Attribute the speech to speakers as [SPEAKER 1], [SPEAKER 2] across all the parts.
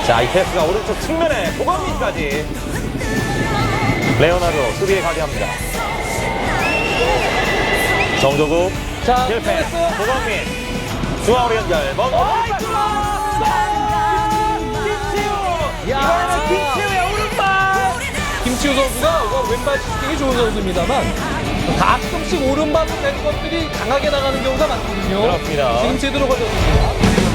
[SPEAKER 1] 자, 이 패스가 오른쪽 측면에 고광민까지. 레오나르도 수비에 가게합니다. 정조국
[SPEAKER 2] 자,
[SPEAKER 1] 실패. 고광민 중앙으로 연결.
[SPEAKER 2] 이번에는 김치우의 오른발! 김치우 선수가 왼발 슈팅이 좋은 선수입니다만 가끔씩 오른발로 된 것들이 강하게 나가는 경우가 많거든요.
[SPEAKER 1] 그렇습니다.
[SPEAKER 2] 지금 제대로 걸렸습니다.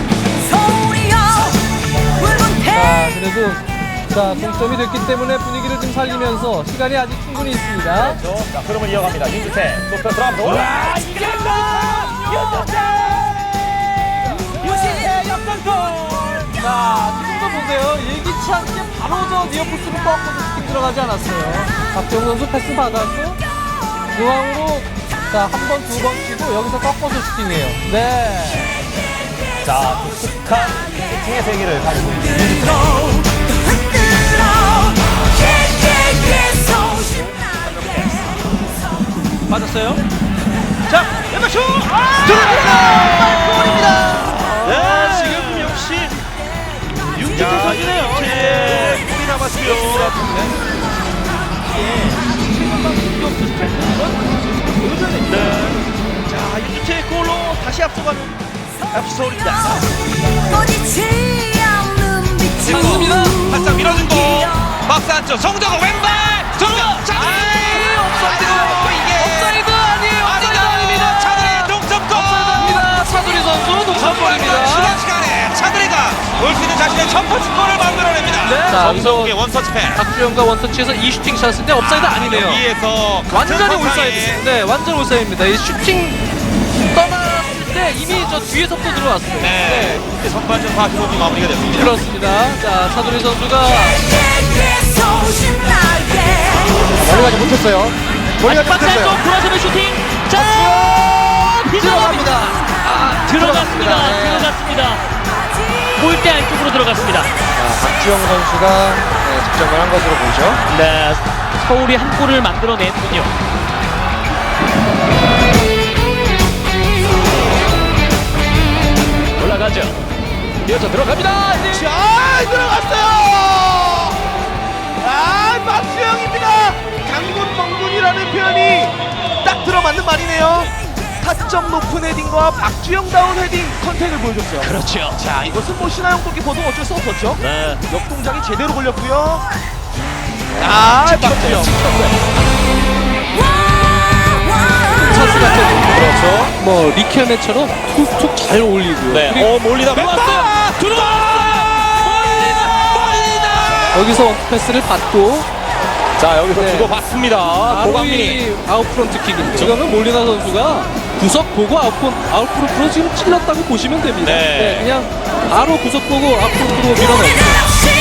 [SPEAKER 2] 자, 그래도 동점이 됐기 때문에 분위기를 좀 살리면서 시간이 아직 충분히 있습니다.
[SPEAKER 1] 그렇죠. 자, 흐름을 이어갑니다. 윤주태 좁혀 들어가면서 올라! 윤주태 역전골!
[SPEAKER 2] 자, 지금도 보세요. 예기치 않게 바로 저 니어포스를 꺾어서 슈팅 들어가지 않았어요. 박정우 선수 패스 받았고 중앙으로 한 번, 두 번 치고 여기서 꺾어서 슈팅이에요. 네.
[SPEAKER 1] 자, 독특한 슈팅의 세계를 가지고 있는 윤주태.
[SPEAKER 3] 맞았어요. 자, 왼발 슛! 들어갑니다! 골입니다! 네, 지금 역시 윤주태 선수네요. 골이 남았고요. 네. 자, 윤주태의 골로 다시 앞서가는 FC 서울입니다.
[SPEAKER 2] 맞습니다.
[SPEAKER 3] 바짝 밀어준 거. 박스 안쪽 정정호 왼발. 정정.
[SPEAKER 2] 옵사이드 아니에요. 옵사이드 아닙니다.
[SPEAKER 3] 차두리 동점골.
[SPEAKER 2] 옵사이드입니다. 차두리 선수 동점골입니다.
[SPEAKER 3] 지난 시간에 차두리가 올 수 있는 자신의 첫 번째 골을 만들어냅니다.
[SPEAKER 2] 네.
[SPEAKER 3] 정성욱의 원터치 패스.
[SPEAKER 2] 박주영과 원터치에서 이 슈팅 샷인데 옵사이드 아니네요.
[SPEAKER 3] 여기에서
[SPEAKER 2] 완전히 올사이드. 네, 완전 올사이드입니다. 이 슈팅 떠났을 때 이미 저 뒤에서부터 들어왔어요.
[SPEAKER 3] 네. 선발전 45분 마무리가 됐습니다.
[SPEAKER 2] 그렇습니다. 자, 차두리 선수가
[SPEAKER 1] 머리가 못했어요. 머리가 못했어요.
[SPEAKER 4] 돌아서는 슈팅. 자,
[SPEAKER 2] 들어갑니다.
[SPEAKER 4] 들어갔습니다.
[SPEAKER 2] 네.
[SPEAKER 4] 들어갔습니다. 골대 안쪽으로 들어갔습니다.
[SPEAKER 2] 박주영 선수가 득점을 한 것으로 보죠.
[SPEAKER 4] 네, 서울이 한 골을 만들어냈군요.
[SPEAKER 1] 올라가죠. 이어서 들어갑니다.
[SPEAKER 3] 잘 들어갔어요. 박주영입니다. 강군 멍군이라는 표현이 딱 들어맞는 말이네요. 타점 높은 헤딩과 박주영다운 헤딩 컨택을 보여줬어요.
[SPEAKER 4] 그렇죠.
[SPEAKER 3] 자, 이것은 뭐 신하영 골키퍼도 어쩔 수 없었죠.
[SPEAKER 4] 네.
[SPEAKER 3] 역동작이 제대로 걸렸고요. 박주영.
[SPEAKER 2] 찬스 같은 그렇죠. 뭐 리켈맨처럼 툭툭 잘 올리고요.
[SPEAKER 1] 네.
[SPEAKER 2] 그리고
[SPEAKER 1] 몰리다.
[SPEAKER 2] 여기서 원투 패스를 받고
[SPEAKER 1] 자, 여기서
[SPEAKER 2] 네.
[SPEAKER 1] 주고받습니다.
[SPEAKER 2] 바로
[SPEAKER 1] 고광민이.
[SPEAKER 2] 이 아웃프런트 킥입니다. 지금은 몰리나 선수가 구석 보고 아웃프런트로 지금 찔렀다고 보시면 됩니다.
[SPEAKER 1] 네.
[SPEAKER 2] 그냥 바로 구석 보고 아웃프런트로 밀어넣었죠.